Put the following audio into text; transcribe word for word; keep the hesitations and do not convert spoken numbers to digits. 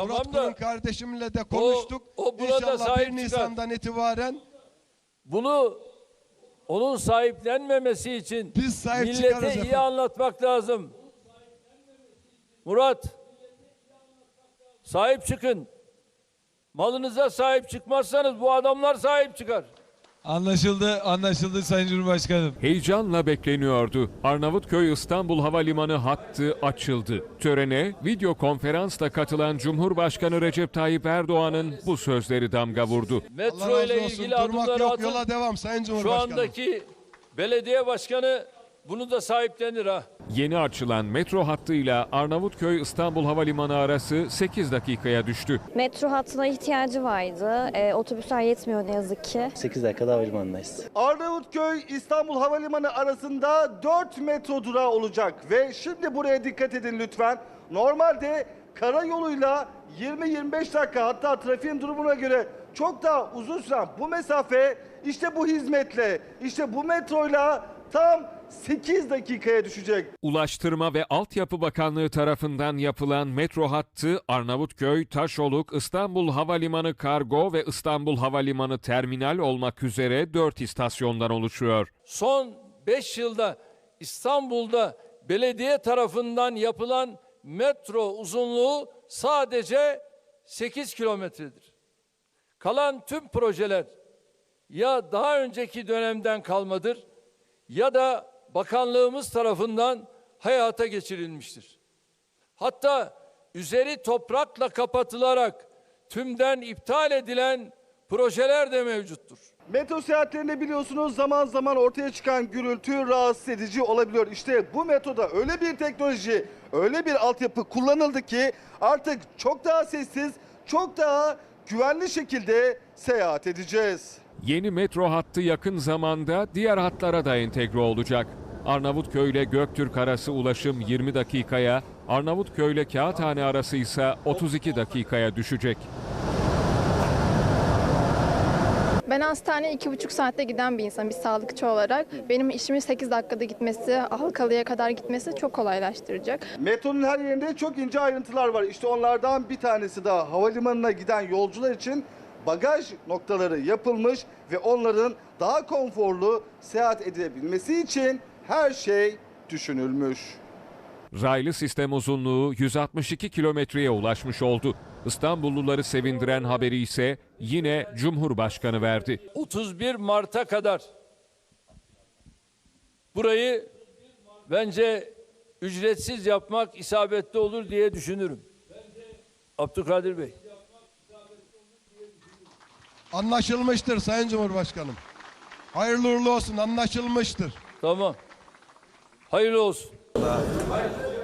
Tamam Murat da Kurum kardeşimle de konuştuk. o, o buna da İnşallah sahip bir çıkar. Nisan'dan itibaren Bunu onun sahiplenmemesi için Biz sahip çıkarız millete iyi efendim. anlatmak lazım. Murat, sahip çıkın. Malınıza sahip çıkmazsanız bu adamlar sahip çıkar. Anlaşıldı, anlaşıldı Sayın Cumhurbaşkanım. Heyecanla bekleniyordu. Arnavutköy İstanbul Havalimanı hattı açıldı. Törene video konferansla katılan Cumhurbaşkanı Recep Tayyip Erdoğan'ın bu sözleri damga vurdu. Allah Metro razı ile olsun. ilgili Durmak adımları yok, atın. yola devam Sayın Şu Cumhurbaşkanım. andaki belediye başkanı bunu da sahiplenir ha. Yeni açılan metro hattıyla Arnavutköy İstanbul Havalimanı arası sekiz dakikaya düştü. Metro hattına ihtiyacı vardı. E, otobüsler yetmiyor ne yazık ki. sekiz dakikada havalimanındayız. Arnavutköy İstanbul Havalimanı arasında dört metro durağı olacak ve şimdi buraya dikkat edin lütfen. Normalde karayoluyla yirmi yirmi beş dakika, hatta trafiğin durumuna göre çok daha uzun süren bu mesafe işte bu hizmetle, işte bu metroyla tam sekiz dakikaya düşecek. Ulaştırma ve Altyapı Bakanlığı tarafından yapılan metro hattı Arnavutköy, Taşoluk, İstanbul Havalimanı Kargo ve İstanbul Havalimanı Terminal olmak üzere dört istasyondan oluşuyor. Son beş yılda İstanbul'da belediye tarafından yapılan metro uzunluğu sadece sekiz kilometredir. Kalan tüm projeler ya daha önceki dönemden kalmadır ya da bakanlığımız tarafından hayata geçirilmiştir. Hatta üzeri toprakla kapatılarak tümden iptal edilen projeler de mevcuttur. Metro seyahatlerinde biliyorsunuz zaman zaman ortaya çıkan gürültü rahatsız edici olabiliyor. İşte bu metroda öyle bir teknoloji, öyle bir altyapı kullanıldı ki artık çok daha sessiz, çok daha güvenli şekilde seyahat edeceğiz. Yeni metro hattı yakın zamanda diğer hatlara da entegre olacak. Arnavutköy ile Göktürk arası ulaşım yirmi dakikaya, Arnavutköy ile Kağıthane arası ise otuz iki dakikaya düşecek. Ben hastaneye iki buçuk saatte giden bir insanım bir sağlıkçı olarak. Benim işimin sekiz dakikada gitmesi, Halkalı'ya kadar gitmesi çok kolaylaştıracak. Metronun her yerinde çok ince ayrıntılar var. İşte onlardan bir tanesi daha havalimanına giden yolcular için bagaj noktaları yapılmış ve onların daha konforlu seyahat edebilmesi için her şey düşünülmüş. Raylı sistem uzunluğu yüz altmış iki kilometreye ulaşmış oldu. İstanbulluları sevindiren haberi ise yine Cumhurbaşkanı verdi. otuz bir Mart'a kadar burayı bence ücretsiz yapmak isabetli olur diye düşünürüm. Abdülkadir Bey. Anlaşılmıştır Sayın Cumhurbaşkanım. Hayırlı uğurlu olsun, anlaşılmıştır. Tamam. Hayırlı olsun.